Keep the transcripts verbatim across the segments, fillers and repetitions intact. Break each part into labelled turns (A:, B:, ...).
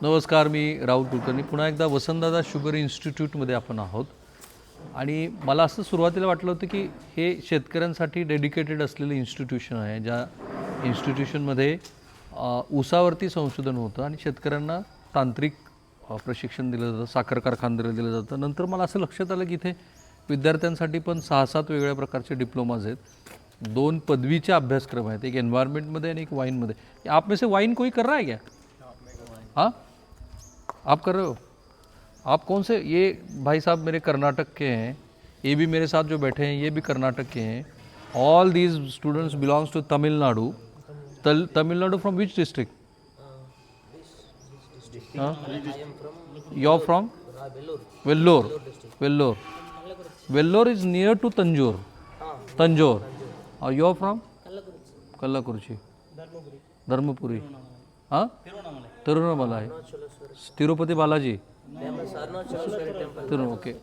A: नमस्कार, मी राहुल कुलकर्णी. पुन्हा एकदा वसंतदादा शुगर इन्स्टिट्यूटमध्ये आपण आहोत. आणि मला असं सुरुवातीला वाटलं होतं की हे शेतकऱ्यांसाठी डेडिकेटेड असलेलं इन्स्टिट्यूशन आहे, ज्या इन्स्टिट्यूशनमध्ये ऊसावरती संशोधन होतं आणि शेतकऱ्यांना तांत्रिक प्रशिक्षण दिलं जातं, साखर कारखानदारी दिलं जातं. नंतर मला असं लक्षात आलं की इथे विद्यार्थ्यांसाठी पण सहा सात वेगवेगळ्या प्रकारचे डिप्लोमाज आहेत, दोन पदवीचे अभ्यासक्रम आहेत, एक एन्व्हायरमेंटमध्ये आणि एक वाईनमध्ये. आप में से वाइन कोई कर रहा है क्या? हाँ, आप कर रहे हो? आप कौन से? ये भाई साहब मेरे कर्नाटक के हैं, ये भी मेरे साथ जो बैठे हैं ये भी कर्नाटक के हैं. All these students belongs to Tamil Nadu. तल Tamil Nadu from which district? You are from Vellore. Vellore. Vellore is near to Tanjore. Tanjore. और you are from Kallakurichi. Dharmapuri. हाँ, तिरुवन्नामला है. तिरुपति बालाजी. तिरु ओके.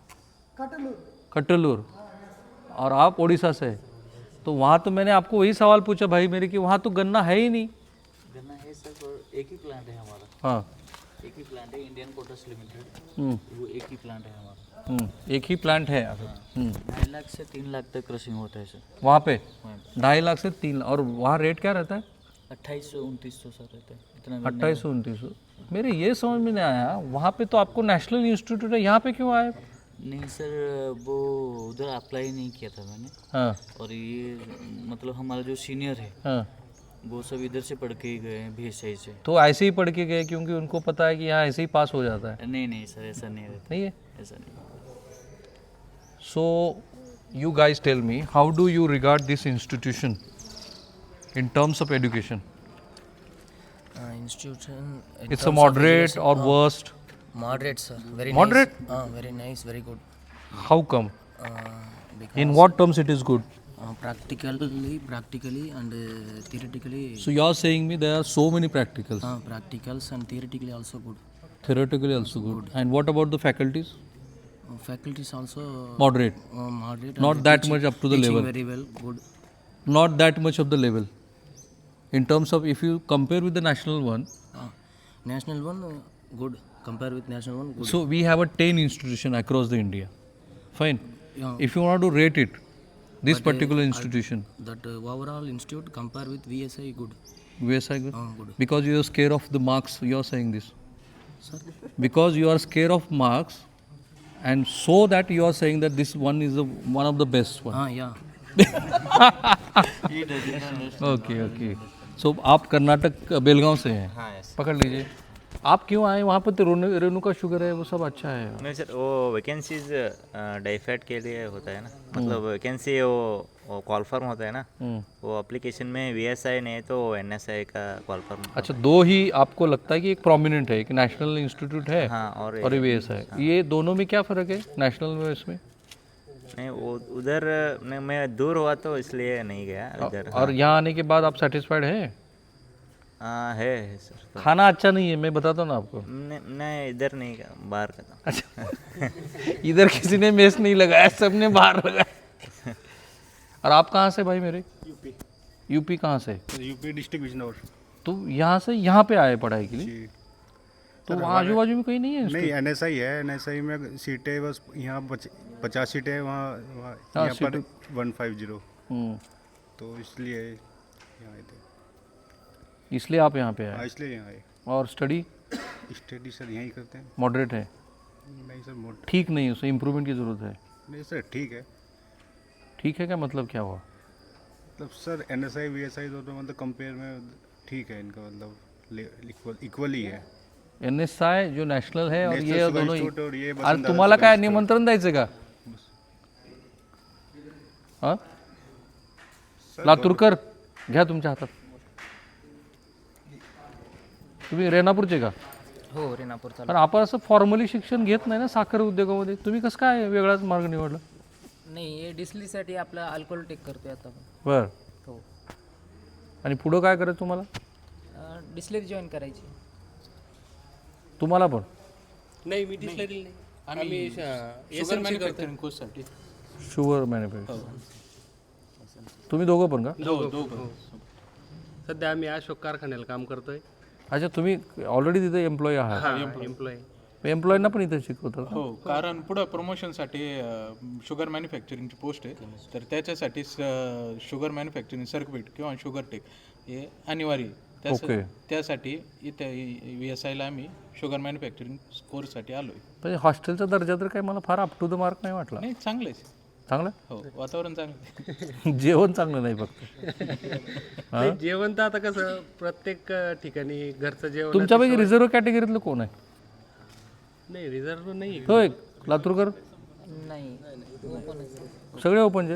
A: कटलूर. और आप उड़ीसा से. तो वहाँ तो मैंने आपको वही सवाल पूछा भाई मेरे कि वहाँ तो गन्ना है ही नहीं.
B: गन्ना है सर, और एक ही प्लांट है हमारा.
A: हाँ,
B: एक ही प्लांट है, इंडियन कोटस लिमिटेड. वो एक ही प्लांट है हमारा.
A: एक ही प्लांट है.
B: ढाई लाख से तीन लाख तक क्रशिंग होता है सर.
A: वहाँ पे ढाई लाख से तीन. और वहाँ रेट क्या रहता है?
B: अट्ठाईस सौ उनतीस सौ सर रहता है इतना.
A: अट्ठाईस सौ उनतीस सौ. मेरे ये समझ में नहीं आया, वहाँ पे तो आपको नेशनल इंस्टीट्यूट है, यहाँ पे क्यों आए?
B: नहीं सर, वो उधर अप्लाई नहीं किया था मैंने.
A: हाँ
B: और ये मतलब हमारा जो सीनियर है
A: हाँ.
B: वो सब इधर से पढ़ के ही गए हैं, भी सही से.
A: तो ऐसे ही पढ़ के गए क्योंकि उनको पता है कि यहाँ ऐसे ही पास हो जाता है?
B: नहीं नहीं सर, ऐसा नहीं रहता.
A: नहीं है.
B: ऐसा नहीं.
A: So you guys tell me, how do you regard this institution in terms of education?
C: Uh, institution. in
A: It's a
C: terms of
A: moderate
C: education,
A: or
C: uh,
A: worst?
C: Moderate, sir. Very
A: Moderate?
C: nice. Uh, very nice, very good.
A: How come?
C: Uh, because
A: In what terms it is good?
C: uh, practically, practically, and uh, theoretically.
A: So you are saying me there are so many practicals,
C: uh, practicals and theoretically also good.
A: theoretically also good. And what about the faculties?
C: Uh, faculties also
A: Moderate.
C: uh, moderate.
A: Not
C: and
A: that
C: teaching-
A: much up to the
C: teaching
A: level.
C: Very well, good.
A: Not that much of the level. In terms of, if you compare with the national one,
C: Uh, national one, uh, good. Compare with national one, good.
A: so we have a ten institution across the India. Fine.
C: Yeah.
A: If you want to rate it, this particular institution,
C: That uh, overall institute compare with V S I, good.
A: V S I good?
C: Uh, good.
A: Because you are scared of the marks, you are saying this.
C: Sir.
A: Because you are scared of marks, and so that you are saying that this one is the one of the best one.
C: Ah, yeah.
A: Okay okay. So आप कर्नाटक बेलगांव से हैं?
D: हाँ yes.
A: पकड़ लीजिए. आप क्यों आए वहाँ पर? तो रेणु रेणुका शुगर है, वो सब अच्छा है.
D: नहीं सर, वो वैकेंसीज डाइफैट के लिए होता है ना, मतलब वैकेंसी वो, वो कॉल फॉर्म होता है ना, वो एप्लीकेशन में वी एस आई नहीं तो एन एस आई का कॉल फॉर्म.
A: अच्छा, दो ही आपको लगता है कि एक प्रोमिनेंट है, एक नेशनल इंस्टीट्यूट है
D: हाँ, और
A: और वी एस है. ये दोनों में क्या फ़र्क है, नेशनल में इसमें?
D: नहीं वो उधर नहीं, मैं दूर हुआ तो इसलिए नहीं गया इधर.
A: और यहाँ आने के बाद आप सेटिस्फाइड हैं?
D: हाँ है, है सर. तो
A: खाना अच्छा नहीं है, मैं बताता हूँ ना आपको.
D: नहीं नहीं, इधर नहीं गया, बाहर का था.
A: अच्छा. इधर किसी ने मेस नहीं लगाया, सबने बाहर लगाया. और आप कहाँ से भाई मेरे?
E: यूपी.
A: यूपी कहाँ से?
E: UP district Bijnor.
A: तो यहाँ से यहाँ पे आए पढ़ाई के लिए?
E: जी.
A: तो वहाँ आजू बाजू में कहीं नहीं है?
E: नहीं, एन एस आई है. एन एस आई में सीटें बस यहाँ पचास सीटें हैं, वहाँ वहाँ
A: हाँ,
E: यहाँ पर वन फाइव जीरो.
A: हम्म.
E: तो इसलिए यहाँ आए थे.
A: इसलिए आप यहाँ पे
E: हाँ,
A: आए.
E: इसलिए यहाँ आए.
A: और स्टडी
E: स्टडी सर यहीं करते हैं.
A: मॉडरेट है?
E: नहीं सर, मोट
A: ठीक नहीं है, उसमें इम्प्रूवमेंट की ज़रूरत है.
E: नहीं सर, ठीक है.
A: ठीक है क्या मतलब क्या हुआ?
E: मतलब sir N S I V S I दोनों मतलब कंपेयर में ठीक है इनका, मतलब इक्वल इक्वली है.
A: एन एस आय जो नॅशनल है और
E: National
A: ये
E: Sugar
A: दोनों.
E: Institute और ये
A: अरे
E: वसंतदादा
A: तुम्हाला
E: Sugar
A: काय
E: Institute.
A: निमंत्रण द्यायचं का? हां,
E: सर
A: लातूरकर घ्या तुमच्या हातात. तुम्ही रेणापूरचे का?
B: हो, रेणापूरचा.
A: कारण आपण असं फॉर्मली शिक्षण घेत नाही ना साखर उद्योगामध्ये. तुम्ही कसं काय वेगळाच मार्ग निवडला?
F: नाही, हे डिस्लीसाठी आपलं अल्कोहोल टेक करतोय आता आपण.
A: बरं.
F: हो.
A: आणि पुढं काय करायचं तुम्हाला?
F: डिस्लरी जॉईन करायची.
A: तुम्हाला पण?
G: नाही, मी डिस्लरी नाही. आम्ही शुगर मॅन्युफॅक्चरिंग कोर्ससाठी.
A: Sugar manufacture. तुम्ही दोघं पण का?
G: दोघं दोघं. सध्या आम्ही अशोक कारखान्याला काम करतोय.
A: अच्छा, तुम्ही ऑलरेडी तिथे एम्प्लॉई आहात,
G: एम्प्लॉय
A: एम्प्लॉईंना पण इथे शिकवतात का?
G: हो, कारण पुढं प्रमोशनसाठी शुगर मॅन्युफॅक्चरिंगची पोस्ट आहे, तर त्याच्यासाठी शुगर मॅन्युफॅक्चरिंग सर्किट किंवा शुगर टेक हे अनिवार्य आहे. त्यास-
A: ओके.
G: त्यासाठी इथे व्ही एस आयला आम्ही शुगर मॅन्युफॅक्चरिंग कोर्ससाठी आलो आहे.
A: म्हणजे हॉस्टेलचा दर्जा तर काही मला फार अप टू द मार्क नाही वाटला.
G: नाही, चांगलंच
A: चांगलं
G: हो, वातावरण चांगलं आहे.
A: आहे? जेवण चांगलं नाही फक्त.
H: नाही, जेवण तर आता कसं प्रत्येक अ, ठिकाणी घरचं जेवण
A: तुमच्यापैकी रिझर्व्ह कॅटेगरीतलं कोण आहे?
H: नाही रिझर्व नाही
A: होय, लातूरकर
F: नाही
A: सगळे ओपनचे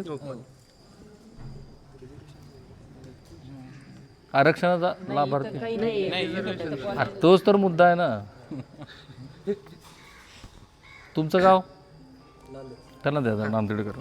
A: आरक्षणाचा लाभार्थी.
F: काही नाही
A: अरे तोच तर मुद्दा आहे ना. तुमचं गाव त्यांना द्या, नांदेडकर.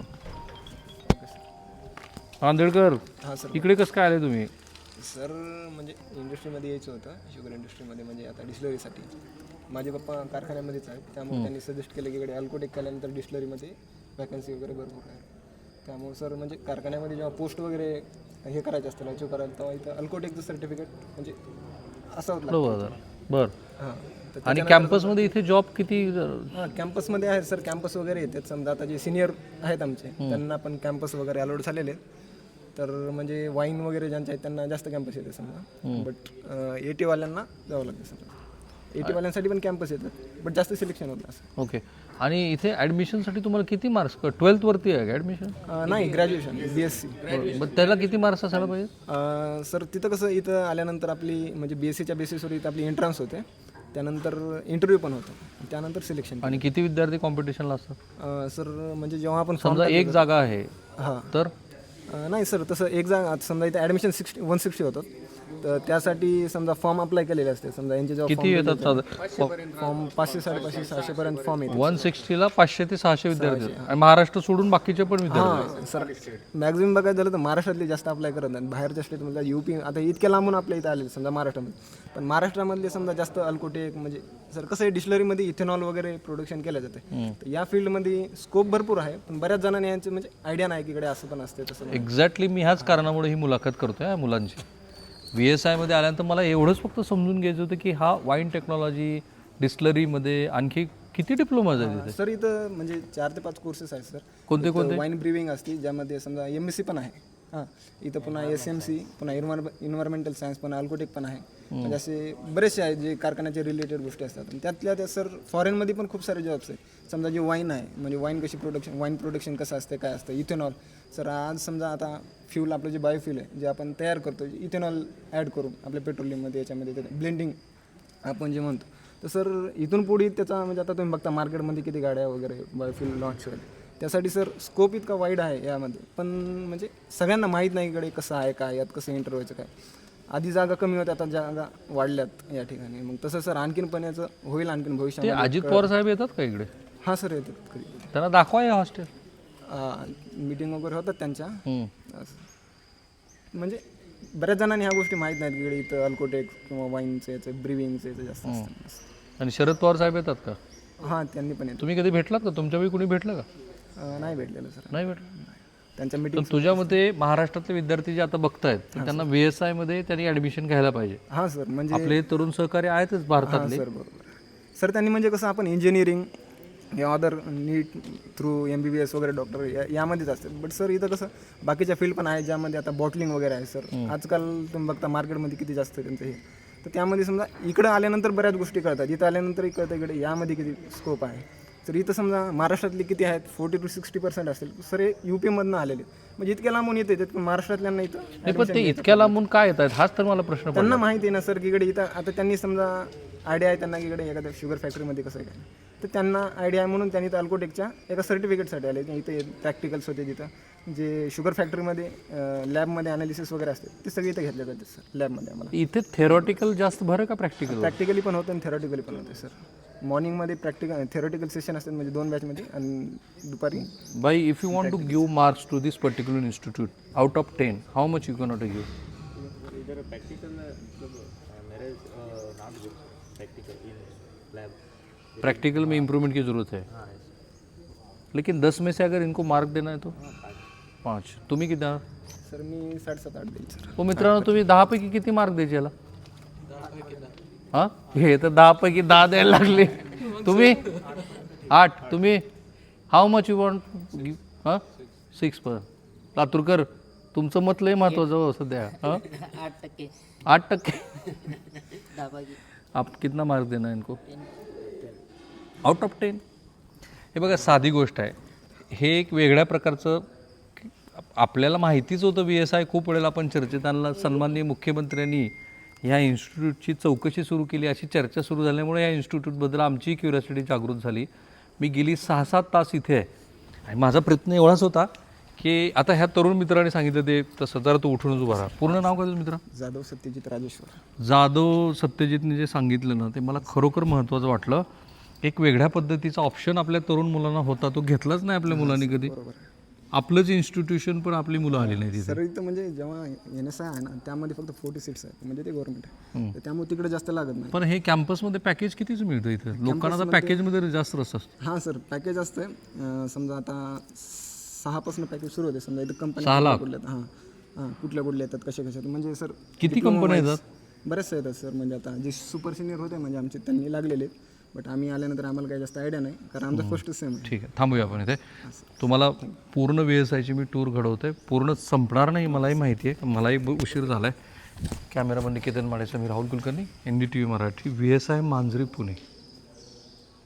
A: नांदेडकर इकडे कसं काय आले तुम्ही?
I: सर म्हणजे इंडस्ट्रीमध्ये यायचं होतं, शुगर इंडस्ट्रीमध्ये, म्हणजे आता डिस्लरीसाठी. माझे पप्पा कारखान्यामध्येच आहेत, त्यामुळे त्यांनी सजेस्ट केलं की इकडे अल्कोटेक केल्यानंतर डिस्लरीमध्ये वॅकन्सी वगैरे भरपूर आहे. त्यामुळे सर म्हणजे कारखान्यामध्ये जेव्हा पोस्ट वगैरे हे करायचं असतं, अचीव करायला, तेव्हा इथं अल्कोटेकचं सर्टिफिकेट म्हणजे असावं लागतं.
A: बरोबर बर.
I: हां, तर
A: आणि कॅम्पसमध्ये इथे जॉब किती?
I: हां, कॅम्पसमध्ये आहे सर, कॅम्पस वगैरे येतात. समजा आता जे सिनियर आहेत आमचे, त्यांना पण कॅम्पस वगैरे अलोड झालेले आहेत. तर म्हणजे वाईन वगैरे ज्यांचे आहेत त्यांना जास्त कॅम्पस येते समजा, बट एटीवाल्यांना जावं लागतं समजा. एटीवाल्यांसाठी पण कॅम्पस येतात, बट जास्त सिलेक्शन होतं असं.
A: ओके. आणि इथे ॲडमिशनसाठी तुम्हाला किती मार्क्स? ट्वेल्थवरती आहे का ॲडमिशन?
I: अं, नाही, ग्रॅज्युएशन बी एस सी.
A: मग त्याला किती मार्क्स असायला पाहिजे?
I: सर तिथं कसं, इथं आल्यानंतर आपली म्हणजे बी एस सीच्या बेसिसवर इथं आपली एंट्रन्स होते, त्यानंतर इंटरव्ह्यू पण होतो, त्यानंतर सिलेक्शन.
A: आणि किती विद्यार्थी कॉम्पिटिशनला असतात?
I: सर म्हणजे जेव्हा आपण
A: समजा एक जागा आहे
I: हां,
A: तर
I: अं, नाही सर, तसं एक जागा समजा इथे ॲडमिशन सिक्स्टी वन सिक्स्टी होतात, तर त्यासाठी समजा फॉर्म अप्लाय केलेले असते. समजा यांचे जेव्हा
A: किती येतात साधारण?
I: फॉर्म पाचशे साडेपाचशे सहाशेपर्यंत फॉर्म येते.
A: वन सिक्स्टीला पाचशे ते सहाशे विद्यार्थी आहेत. आणि महाराष्ट्र सोडून बाकीचे पण विद्यार्थी आहेत.
I: हां सर, मॅक्झिमम बघायचं झालं तर महाराष्ट्रातले जास्त अप्लाय करत नाहीत. बाहेरच्या स्टेटमधल्या यूपी आता इतक्या लांबून आपल्या इथं आलेले समजा महाराष्ट्रामध्ये, पण महाराष्ट्रामधले समजा जास्त अल्कोटेक म्हणजे सर कसं आहे, डिस्लरीमध्ये इथेनॉल वगैरे प्रोडक्शन केलं जाते, तर या फील्डमध्ये स्कोप भरपूर आहे, पण बऱ्याच जणांनी यांचे म्हणजे आयडिया नाही की इकडे असं पण असते तसं.
A: एक्झॅक्टली मी ह्याच कारणामुळे ही मुलाखत करतोय या मुलांची. व्ही एस आयमध्ये आल्यानंतर मला एवढंच फक्त समजून घ्यायचं होतं की हा वाईन टेक्नॉलॉजी डिस्लरीमध्ये आणखी किती डिप्लोमाज आहेत तिथे?
I: सर इथं म्हणजे चार ते पाच कोर्सेस आहेत सर.
A: कोणते कोणते?
I: वाईन ब्रिविंग असते, ज्यामध्ये समजा एम एस सी पण आहे. हां, इथं पुन्हा एस एम सी, पुन्हा इन्व्हायर्म इन्व्हायरमेंटल सायन्स, पुन्हा अल्कोटेक पण आहे. म्हणजे असे बरेचसे आहेत जे कारखान्याचे रिलेटेड गोष्टी असतात. आणि त्यातल्या त्या सर फॉरेनमध्ये पण खूप सारे जॉब्स आहेत. समजा जे वाईन आहे, म्हणजे वाईन कशी प्रोडक्शन, वाईन प्रोडक्शन कसं असते, काय असतं, इथेनॉल. सर आज समजा आता फ्यूल आपलं जे बायोफ्यूल आहे, जे आपण तयार करतो, इथेनॉल ॲड करून आपल्या पेट्रोलियममध्ये याच्यामध्ये ब्लेंडिंग आपण जे म्हणतो, तर सर इथून पुढे त्याचा म्हणजे आता तुम्ही बघता मार्केटमध्ये किती गाड्या वगैरे बायोफ्यूल लॉन्च होईल. त्यासाठी सर स्कोप इतका वाईड आहे यामध्ये, पण म्हणजे सगळ्यांना माहीत नाही इकडे कसं आहे, काय यात कसं एंटर व्हायचं काय. आधी जागा कमी होत्या, आता जागा वाढल्यात या ठिकाणी. मग तसं सर आणखीन पण याचं होईल आणखीन
A: ते
I: भविष्यामध्ये.
A: अजित पवार साहेब येतात का इकडे?
I: हां सर, येतात कधी.
A: त्यांना दाखवा हे हॉस्टेल.
I: मीटिंग वगैरे होतात त्यांच्या. असं. म्हणजे बऱ्याच जणांनी ह्या गोष्टी माहीत नाहीत की इकडे इथं अल्कोटेक किंवा वाईनचं याचं ब्रिविंगचं याचं जास्त असतं.
A: आणि शरद पवार साहेब येतात का?
I: हां, त्यांनी पण येतो.
A: तुम्ही कधी भेटलात का? तुमच्यापैकी कुणी भेटलं का?
I: अं, नाही भेटलेलं सर,
A: नाही भेटलं.
I: त्यांच्या
A: तर
I: मीटिंग.
A: तुझ्या मते महाराष्ट्रातले विद्यार्थी जे आता बघतायत तर त्यांना व्ही एस आयमध्ये त्यांनी ॲडमिशन घ्यायला पाहिजे.
I: हां सर, म्हणजे
A: आपले तरुण सहकारी आहेतच भारतातले.
I: सर बरोबर सर, त्यांनी म्हणजे कसं आपण इंजिनिअरिंग या other NEET through M B B S वगैरे डॉक्टर या यामध्येच असते. बट सर इथं कसं बाकीच्या फील्ड पण आहे, ज्यामध्ये आता बॉटलिंग वगैरे आहे सर. आजकाल तुम्ही बघता मार्केटमध्ये किती जास्त त्यांचं हे, तर त्यामध्ये समजा इकडं आल्यानंतर बऱ्याच गोष्टी कळतात, इथं आल्यानंतर कळतं इकडे यामध्ये किती स्कोप आहे. तर इथं समजा महाराष्ट्रातले किती आहेत, फोर्टी टू सिक्स्टी पर्सेंट असतील सर, हे यू पीमधनं आलेले, म्हणजे इतक्या लांबून येते पण महाराष्ट्रातल्यांना इथं
A: नाही, पण ते इतक्या लांबून काय येत आहेत हाच तर मला प्रश्न पडला.
I: त्यांना माहिती आहे ना सर की इकडे इथं आता त्यांनी समजा आयडिया आहे त्यांना की इकडे एखाद्या शुगर फॅक्टरीमध्ये कसं आहे काय, तर त्यांना आयडिया आहे म्हणून त्यांनी इथं अल्कोटेकच्या एका सर्टिफिकेटसाठी आले. इथे प्रॅक्टिकल्स होते तिथं, जे शुगर फॅक्टरीमध्ये लॅबमध्ये अनालिसिस वगैरे असते ते सगळे इथं घेतले जाते सर लॅबमध्ये. आम्हाला
A: इथे थेरॉटिकल जास्त भर का प्रॅक्टिकल?
I: प्रॅक्टिकली पण होतं आणि थेरॉटिकली पण होते सर. मॉर्निंगमध्ये प्रॅक्टिकल थेरॉटिकल सेशन असतात म्हणजे दोन बॅचमध्ये, आणि दुपारी.
A: बाई, if you want to give marks to this particular institute out of ten, how much you can not give?
D: इधर प्रैक्टिकल मेरे not good practical in lab.
A: Practical में इम्प्रूवमेंट की ज़रूरत है, लेकिन दस में से अगर इनको मार्क देना है तो पाँच. तुम्ही किती देणार?
I: सर मी साडेसात आठ देईल सर.
A: हो मित्रांनो, तुम्ही दहापैकी किती मार्क द्यायचे याला? हां हे तर दहापैकी दहा द्यायला लागले तुम्ही आठ तुम्ही हाऊ मच यू वॉन्ट हां सिक्स पर लातूरकर तुमचं मत लय महत्वाचं हो सध्या हां
F: आठ टक्के
A: आठ टक्के
F: दहा पैकी
A: आप कितना मार्क देना इनको आउट ऑफ टेन हे बघा साधी गोष्ट आहे हे एक वेगळ्या प्रकारचं आपल्याला माहितीच होतं बी एस आय खूप वेळेला आपण चर्चेत आणला सन्माननीय मुख्यमंत्र्यांनी ह्या इन्स्टिट्यूटची चौकशी सुरू केली अशी चर्चा सुरू झाल्यामुळे या इन्स्टिट्यूटबद्दल आमची क्युरिओसिटी जागृत झाली मी गेली सहा सात तास इथे आहे आणि माझा प्रयत्न एवढाच होता की आता ह्या तरुण मित्राने सांगितलं ते तसं जरा तो उठूनच उभा राहा पूर्ण नाव काय तुझं मित्र
I: जाधव सत्यजित राजेश्वर
A: जाधव सत्यजितने जे सांगितलं ना ते मला खरोखर महत्त्वाचं वाटलं एक वेगळ्या पद्धतीचा ऑप्शन आपल्या तरुण मुलांना होता तो घेतलाच नाही आपल्या मुलांनी कधी आपलंच इन्स्टिट्यूशन पण आपली मुलं आली नाही तिथे
I: सर इथं म्हणजे जेव्हा एन एस आय आहे ना त्यामध्ये फक्त फोर्टी सीट्स आहेत म्हणजे ते गव्हर्नमेंट आहे तर त्यामुळे तिकडे जास्त लागत नाही
A: पण हे कॅम्पसमध्ये पॅकेज कितीच मिळतं इथं लोकांना तर पॅकेजमध्ये जास्त रस असतो
I: हां सर पॅकेज असतं अं, समजा आता सहापासून पॅकेज सुरू होते समजा इथं कंपनी
A: सहा लाख?
I: कुठल्या हां हां कुठल्या कुठल्या येतात कशा कशा येतात. म्हणजे सर
A: किती कंपन्या येतात
I: बरेचसे येतात सर म्हणजे आता जे सुपर सिनियर होते म्हणजे आमचे त्यांनी लागलेले बट आम्ही आल्यानंतर आम्हाला काही जास्त आयडिया नाही कारण आमचा फर्स्ट सेम आहे
A: ठीक आहे थांबूया आपण इथे तुम्हाला पूर्ण व्ही एस आयची मी टूर घडवतोय पूर्ण संपणार नाही मलाही माहिती आहे मलाही ब- उशीर झाला आहे कॅमेरामन निकेतन माडेचा मी Rahul Kulkarni N D T V Marathi V S I Manjari Pune